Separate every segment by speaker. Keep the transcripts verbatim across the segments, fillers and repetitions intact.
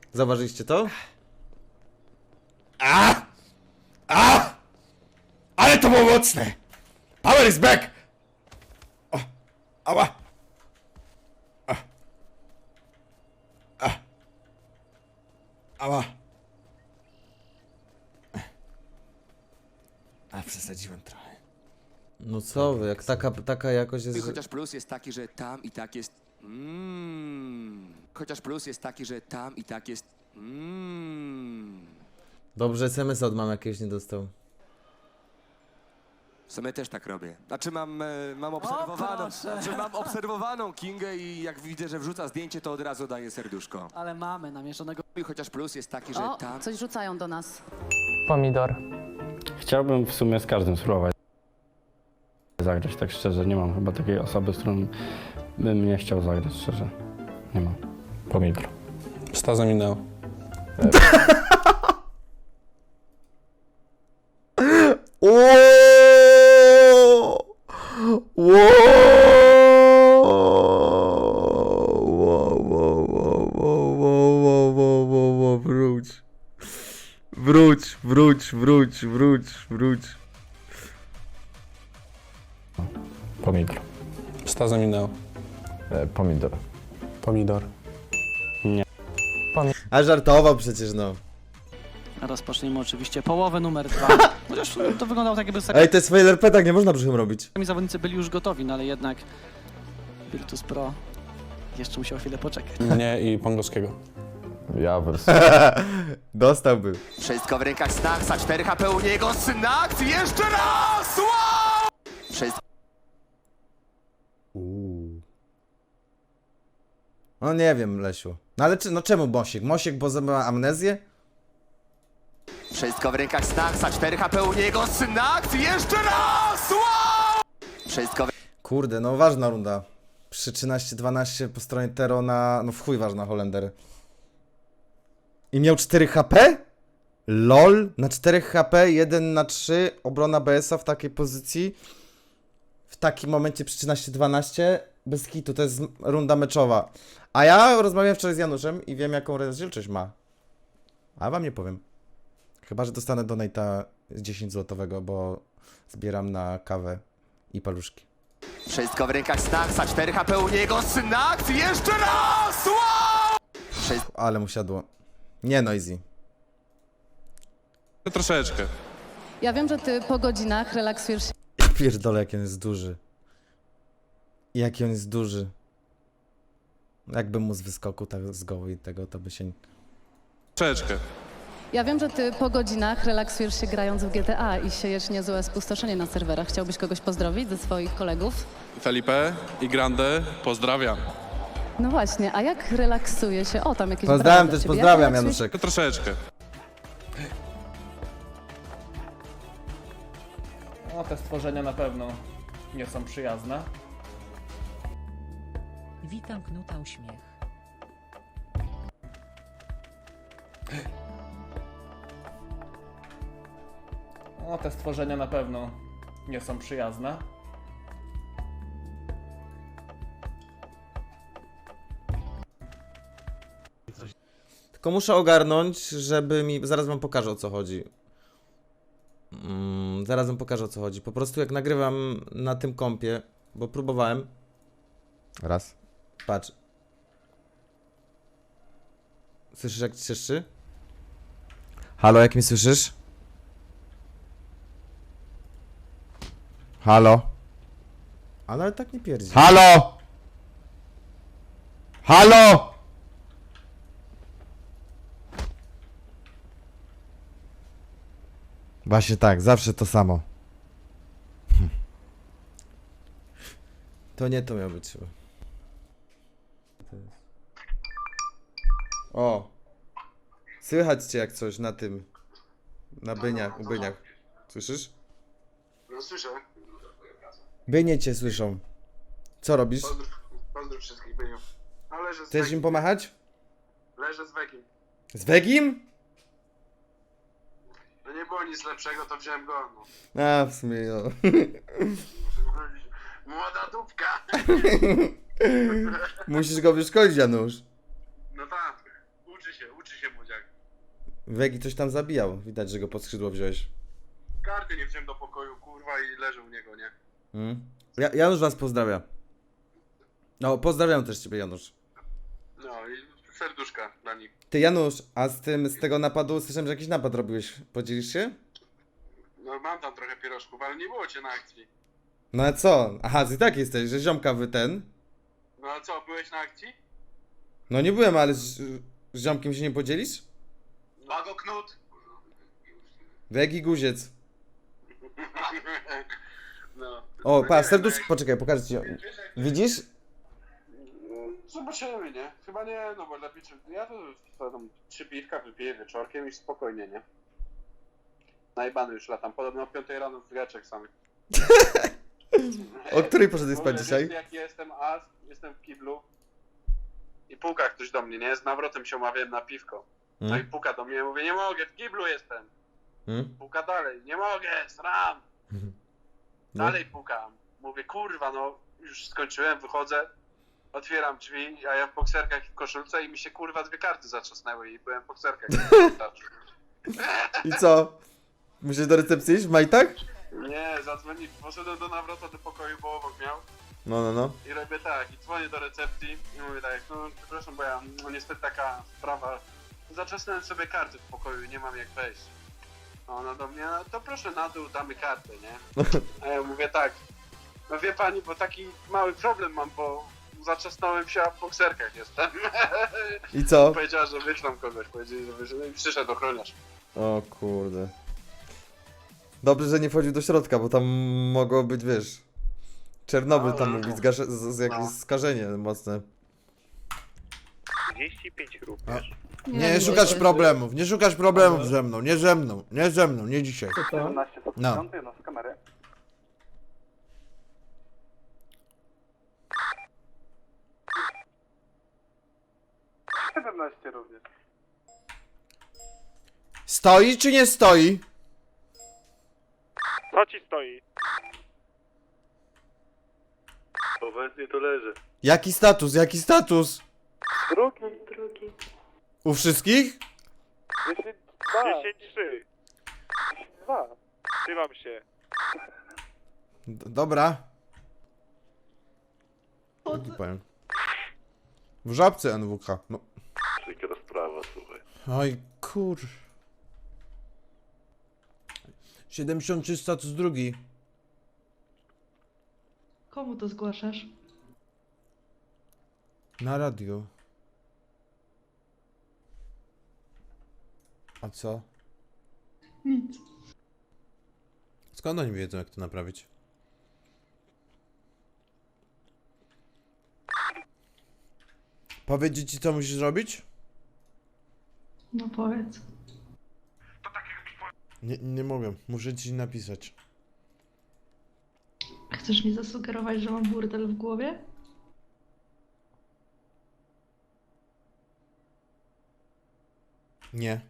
Speaker 1: Zauważyliście to? A! A! Ale to było mocne! Power is back! O! Ała! A! A! Ała! A, przesadziłem trochę. No co wy, jak taka, taka jakość jest...
Speaker 2: Chociaż plus jest taki, że tam i tak jest... Mmm. Chociaż plus jest taki, że tam i tak jest... Mmm.
Speaker 1: Dobrze, es em es od mam jakiegoś nie dostał.
Speaker 2: W sumie też tak robię. Znaczy mam, e, mam obserwowaną, znaczy mam obserwowaną Kingę i jak widzę, że wrzuca zdjęcie, to od razu daję serduszko.
Speaker 3: Ale mamy namierzonego.
Speaker 2: I chociaż plus jest taki, że
Speaker 4: O,
Speaker 2: tam...
Speaker 4: coś rzucają do nas.
Speaker 5: Pomidor.
Speaker 6: Chciałbym w sumie z każdym spróbować zagrać, tak szczerze. Nie mam chyba takiej osoby, z którą bym nie chciał zagrać, szczerze. Nie mam.
Speaker 7: Pomidor. Staza minęło.
Speaker 1: Wróć. Wróć, wróć, wróć, wróć, wróć.
Speaker 7: Pomidor. Staza minęło.
Speaker 8: Pomidor.
Speaker 7: Pomidor.
Speaker 1: A żartował przecież, no.
Speaker 3: Rozpoczniemy oczywiście połowę numer dwa. Chociaż to wyglądało tak, jakby
Speaker 1: Ej, to jest F L P, tak nie można brzuchem robić.
Speaker 3: sami zawodnicy byli już gotowi, no ale jednak Virtus Pro jeszcze musiał chwilę poczekać.
Speaker 7: Mnie i Pongowskiego.
Speaker 8: Ja wers.
Speaker 1: Dostałby.
Speaker 2: Wszystko w rękach Snacksa, cztery H P u niego, Snacks jeszcze raz! Wow! Wszystko...
Speaker 1: Uuu. No nie wiem, Lesiu. No ale czy, no czemu Mosiek? Mosiek, bo ma amnezję?
Speaker 2: Wszystko w rękach Snacksa, cztery H P u niego, Snacks jeszcze raz! Wow! Wszystko w...
Speaker 1: Kurde, no ważna runda. Przy trzynaście dwanaście po stronie Tero na... No w chuj ważna Holender. I miał cztery H P? LOL? Na cztery H P, jeden na trzy, obrona B S a w takiej pozycji. W takim momencie przy trzynaście dwanaście. Bez kitu, to jest runda meczowa. A ja rozmawiałem wczoraj z Januszem i wiem, jaką rozdzielczość ma. A wam nie powiem. Chyba że dostanę donate'a dziesięć złotowego, bo zbieram na kawę i paluszki.
Speaker 2: Wszystko w rękach Snacksa, cztery H P u niego, Snacks jeszcze raz! Wow! Wszystko...
Speaker 1: Ale mu siadło. Nie Noisy.
Speaker 7: Troszeczkę.
Speaker 4: Ja wiem, że ty po godzinach relaksujesz się
Speaker 1: Ja pierdolę, jaki on jest duży. Jaki on jest duży. Jakby mu z wyskoku tak z goły i tego, to by się...
Speaker 7: Troszeczkę.
Speaker 4: Ja wiem, że ty po godzinach relaksujesz się grając w G T A i siejesz niezłe spustoszenie na serwerach. Chciałbyś kogoś pozdrowić ze swoich kolegów?
Speaker 7: Felipe i Grande, pozdrawiam.
Speaker 4: No właśnie, a jak relaksuje się? O, tam jakieś
Speaker 1: Pozdrawiam
Speaker 4: brawa do
Speaker 1: też,
Speaker 4: ciebie. Jak
Speaker 1: pozdrawiam
Speaker 4: relaksuje się-
Speaker 1: Januszek.
Speaker 7: Troszeczkę.
Speaker 5: O, te stworzenia na pewno nie są przyjazne.
Speaker 9: Witam Knuta uśmiech.
Speaker 5: O, te stworzenia na pewno nie są przyjazne.
Speaker 1: Tylko muszę ogarnąć, żeby mi... Zaraz wam pokażę, o co chodzi. Mm, zaraz wam pokażę, o co chodzi. Po prostu jak nagrywam na tym kompie, bo próbowałem. Raz. Patrz. Słyszysz, jak ci cieszczy? Halo, jak mnie słyszysz? Halo? Ale, ale tak nie pierdzi. Halo! Halo! Właśnie tak, zawsze to samo. Hm. To nie to miało być chyba. O! Słychać cię jak coś na tym. Na byniach, u byniach. Słyszysz?
Speaker 10: No słyszę.
Speaker 1: Bynie cię słyszą. Co robisz?
Speaker 10: Pozdrów, pozdrów wszystkich byniów. No leżę z
Speaker 1: Chcesz
Speaker 10: Wegiem.
Speaker 1: im pomachać?
Speaker 10: Leżę z Wegiem.
Speaker 1: Z Wegim?
Speaker 10: No nie było nic lepszego, to wziąłem go. No.
Speaker 1: A, w sumie no.
Speaker 10: Młoda dupka.
Speaker 1: Musisz go wyszkolić, Janusz.
Speaker 10: No tak. Uczy się, uczy się młodziak.
Speaker 1: Wegi coś tam zabijał. Widać, że go pod skrzydło wziąłeś.
Speaker 10: Karty nie wziąłem do pokoju, kurwa, i leżę u niego, nie?
Speaker 1: Mm. Ja, Janusz was pozdrawia. No, pozdrawiam też ciebie, Janusz.
Speaker 10: No i serduszka dla nich.
Speaker 1: Ty, Janusz, a z tym, z tego napadu, słyszałem, że jakiś napad robiłeś. Podzielisz się?
Speaker 10: No mam tam trochę pierożków, ale nie było cię na akcji.
Speaker 1: No a co? Aha, ty tak jesteś, że ziomka wy ten.
Speaker 10: No a co, byłeś na akcji?
Speaker 1: No nie byłem, ale z, z ziomkiem się nie podzielisz?
Speaker 10: Mago Knut.
Speaker 1: Wegi guziec.
Speaker 10: No.
Speaker 1: O,
Speaker 10: No
Speaker 1: pa,
Speaker 10: nie
Speaker 1: serduszko,
Speaker 10: wiem,
Speaker 1: poczekaj, pokażę ci. Widzisz?
Speaker 10: no, zobaczymy, nie? Chyba nie, no bo lepiej, czy... ja to, to tam trzy piwka wypiję wieczorkiem i spokojnie, nie? Najbany już latam, podobno o piątej rano w wieczek samych.
Speaker 1: O której poszedłeś spać
Speaker 10: Mówię,
Speaker 1: dzisiaj?
Speaker 10: wiesz, jak jestem as, jestem w kiblu i puka ktoś do mnie, nie? Z nawrotem się umawiałem na piwko. No i
Speaker 1: Hmm?
Speaker 10: puka do mnie, mówię, nie mogę, w kiblu jestem.
Speaker 1: Hmm?
Speaker 10: Puka dalej, nie mogę, sram.
Speaker 1: No.
Speaker 10: Dalej pukam. Mówię, kurwa, no już skończyłem, wychodzę, otwieram drzwi, a ja w bokserkach i w koszulce i mi się kurwa dwie karty zatrzasnęły i byłem w bokserkach.
Speaker 1: I co? Musisz do recepcji iść w majtach?
Speaker 10: Nie, zadzwoni, poszedłem do nawrota do pokoju, bo obok miał
Speaker 1: No, no, no.
Speaker 10: i robię tak, i dzwonię do recepcji i mówię tak, no przepraszam, bo ja, no niestety taka sprawa, zatrzasnąłem sobie karty w pokoju i nie mam jak wejść. A ona do mnie, no to proszę na dół, damy kartę, nie? A ja mówię tak, no wie pani, bo taki mały problem mam, bo zaczasnąłem się, a w bokserkach jestem.
Speaker 1: I co?
Speaker 10: Powiedziała, że wyślą kogoś, powiedzieli, że wyślą i przyszedł ochroniarz.
Speaker 1: O kurde. Dobrze, że nie wchodził do środka, bo tam mogło być, wiesz... Czernobyl tam mógł być zgasze- z, z jakieś
Speaker 10: No.
Speaker 1: skażenie mocne.
Speaker 10: trzydzieści pięć grup,
Speaker 1: wiesz?
Speaker 4: Nie,
Speaker 1: Nie szukasz problemów, nie szukasz problemów ze mną, nie ze mną, nie ze mną, nie dzisiaj.
Speaker 10: siedemnaście
Speaker 1: No.
Speaker 10: no z kamery. siedemnaście również.
Speaker 1: Stoi czy nie stoi?
Speaker 10: Co ci stoi? Obecnie to leży.
Speaker 1: Jaki status, jaki status?
Speaker 10: Drugi.
Speaker 1: U wszystkich?
Speaker 10: dziesięć dwa. dziesięć trzy. dwa. Trzymam się.
Speaker 1: D dobra. Jaki powiem? W żabce N W K, no.
Speaker 10: Przykra sprawa, słuchaj.
Speaker 1: Oj kur... siedemdziesiąt trzy status drugi.
Speaker 9: Komu to zgłaszasz?
Speaker 1: Na radio. A co?
Speaker 9: Nic.
Speaker 1: Skąd oni wiedzą, jak to naprawić? Powiedzieć ci, co musisz zrobić?
Speaker 9: No powiedz.
Speaker 1: Nie, nie mogę, muszę ci napisać.
Speaker 9: Chcesz mi zasugerować, że mam burdel w głowie?
Speaker 1: Nie.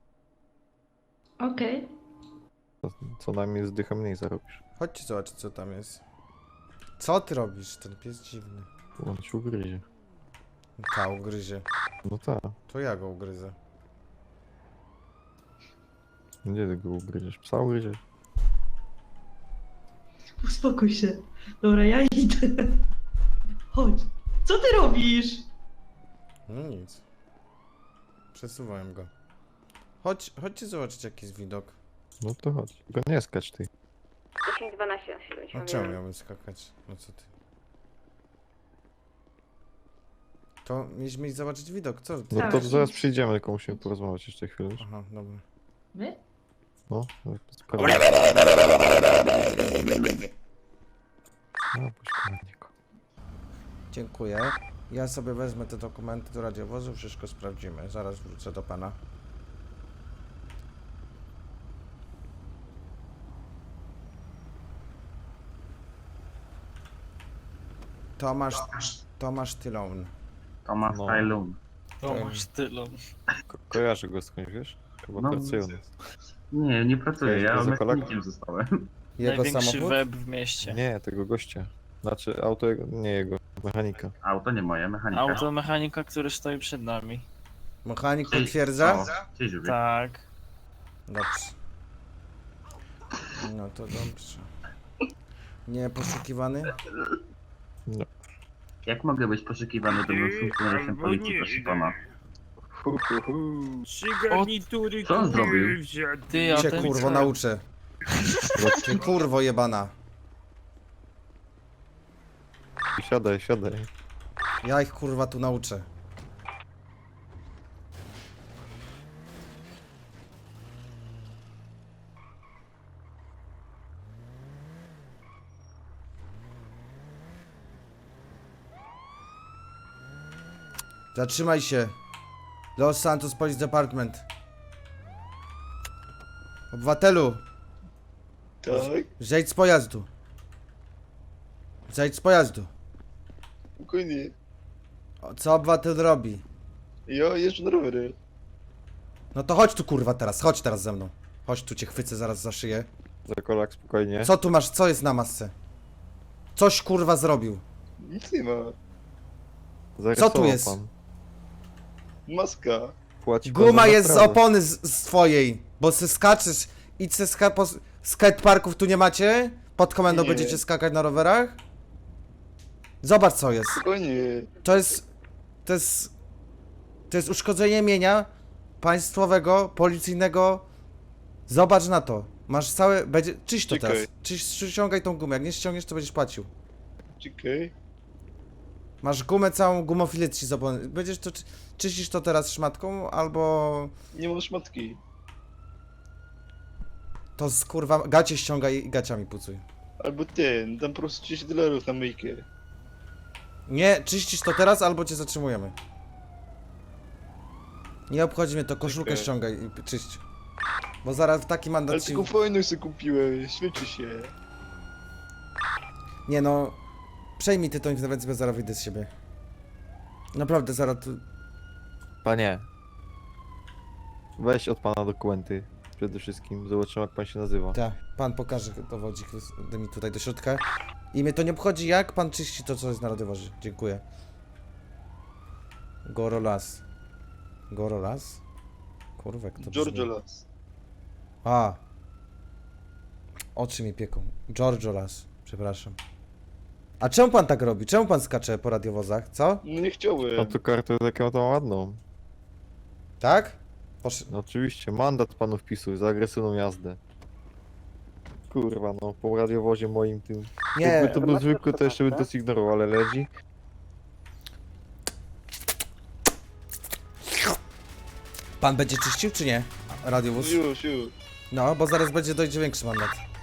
Speaker 9: Okej.
Speaker 8: Co najmniej z dycha mniej zarobisz.
Speaker 1: Chodźcie zobaczyć, co tam jest. Co ty robisz? Ten pies dziwny.
Speaker 8: On ci ugryzie.
Speaker 1: Ta ugryzie.
Speaker 8: No tak.
Speaker 1: To ja go ugryzę.
Speaker 8: Gdzie ty go ugryziesz? Psa ugryziesz?
Speaker 9: Uspokój się. Dobra, ja idę. Chodź. Co ty robisz?
Speaker 1: No nic. Przesuwałem go. Chodź, chodźcie zobaczyć, jaki jest widok.
Speaker 8: No to chodź. Tylko nie skacz ty.
Speaker 11: dziesięć dwanaście na siedem.
Speaker 1: No czemu miałbym skakać? No co ty? To mieliśmy iść zobaczyć widok, co ty?
Speaker 8: No
Speaker 9: Tak.
Speaker 8: to zaraz przyjdziemy, tylko musimy porozmawiać jeszcze chwilę. wiesz?
Speaker 1: Aha, dobra.
Speaker 9: My?
Speaker 8: No, sprawdzę. No, puść komendniku.
Speaker 1: Dziękuję. Ja sobie wezmę te dokumenty do radiowozu, wszystko sprawdzimy. Zaraz wrócę do pana. Tomasz, Tomasz Tylon.
Speaker 10: Tomasz
Speaker 8: No.
Speaker 10: Tajlun.
Speaker 3: Tomasz Tylon.
Speaker 8: Ko kojarzę go skądś, wiesz? Chyba
Speaker 10: No,
Speaker 8: pracuje u nas.
Speaker 10: Nie, nie pracuję,
Speaker 8: ja
Speaker 10: mechanikiem zostałem.
Speaker 1: Jego
Speaker 3: Największy
Speaker 1: samochód?
Speaker 3: web w mieście.
Speaker 8: Nie, tego gościa. Znaczy, auto jego, nie jego, mechanika.
Speaker 10: Auto nie moje, mechanika.
Speaker 3: Automechanika, który stoi przed nami.
Speaker 1: Mechanik potwierdza?
Speaker 5: Tak.
Speaker 1: Dobrze. No to dobrze. Nie poszukiwany?
Speaker 10: Jak mogę być poszukiwany do funkcjonariuszem policji, proszę pana? Co on zrobił?
Speaker 3: Ty, a
Speaker 1: Cię
Speaker 3: ten
Speaker 1: kurwo nauczę. Cię kurwo jebana.
Speaker 8: Siadaj, siadaj.
Speaker 1: Ja ich kurwa tu nauczę. Zatrzymaj się. Los Santos Police Department. Obywatelu.
Speaker 10: Tak?
Speaker 1: Zejdź z pojazdu. Zejdź z pojazdu.
Speaker 10: Spokojnie.
Speaker 1: O, co obywatel robi?
Speaker 10: Ja jeżdżę na rowery.
Speaker 1: No to chodź tu kurwa teraz, chodź teraz ze mną. Chodź tu, cię chwycę zaraz za szyję.
Speaker 8: Zakolak, spokojnie.
Speaker 1: Co tu masz, co jest na masce? Coś kurwa zrobił.
Speaker 10: Nic nie ma.
Speaker 8: Zarysował
Speaker 1: co tu jest?
Speaker 8: Pan.
Speaker 10: Maska.
Speaker 8: Płaci pan
Speaker 1: Guma
Speaker 8: za
Speaker 1: jest z
Speaker 8: naprawę.
Speaker 1: opony z, z twojej, bo se skaczesz. Idź se ska po skateparków tu nie macie? Pod komendą
Speaker 10: Nie.
Speaker 1: będziecie skakać na rowerach? Zobacz co jest.
Speaker 10: Spokojnie.
Speaker 1: To jest... To jest... To jest uszkodzenie mienia państwowego, policyjnego. Zobacz na to. Masz całe... Będzie... Czyść to
Speaker 10: Czekaj.
Speaker 1: teraz. Czyść, ściągaj tą gumę. Jak nie ściągniesz, to będziesz płacił.
Speaker 10: Czekaj.
Speaker 1: Masz gumę całą, gumofilę ci z opony. Będziesz to... czy- Czyścisz to teraz szmatką, albo...
Speaker 10: Nie mam szmatki.
Speaker 1: To z kurwa... Gacie ściągaj i gaciami pucuj.
Speaker 10: Albo ten, dam po prostu trzydzieści dolarów na myjkę.
Speaker 1: Nie, czyścisz to teraz, albo cię zatrzymujemy. Nie obchodzi mnie to, koszulkę
Speaker 10: Czekaj.
Speaker 1: ściągaj i czyść. Bo zaraz taki mandat
Speaker 10: Ale
Speaker 1: ci...
Speaker 10: tylko fajną sobie kupiłem, świeci się.
Speaker 1: Nie no... Przejmij ty tą interwencję, bo zaraz wyjdę z siebie. Naprawdę, zaraz tu...
Speaker 8: Panie. Weź od pana dokumenty. Przede wszystkim. Zobaczymy, jak pan się nazywa.
Speaker 1: Tak, pan pokaże dowodzik daj mi tutaj do środka. I mnie to nie obchodzi, jak pan czyści to, co jest na radiowozie. Dziękuję. Gorolas. Gorolas? Kurwa, jak to brzmi.
Speaker 10: Giorgio Las.
Speaker 1: A. Oczy mi pieką. Giorgio Las. Przepraszam. A czemu pan tak robi? Czemu pan skacze po radiowozach? Co?
Speaker 10: No nie chciałem.
Speaker 8: Pan tu kartę taką tą ładną.
Speaker 1: Tak? Posz...
Speaker 8: No oczywiście, mandat panu wpisuj za agresywną jazdę. Kurwa, no, po radiowozie moim tym.
Speaker 1: Nie,
Speaker 8: Jakby to był zwykły, to jeszcze bym to zignorował, ale leci.
Speaker 1: pan będzie czyścił czy nie? Radiowóz?
Speaker 10: Już, już.
Speaker 1: No, bo zaraz będzie dojdzie większy mandat.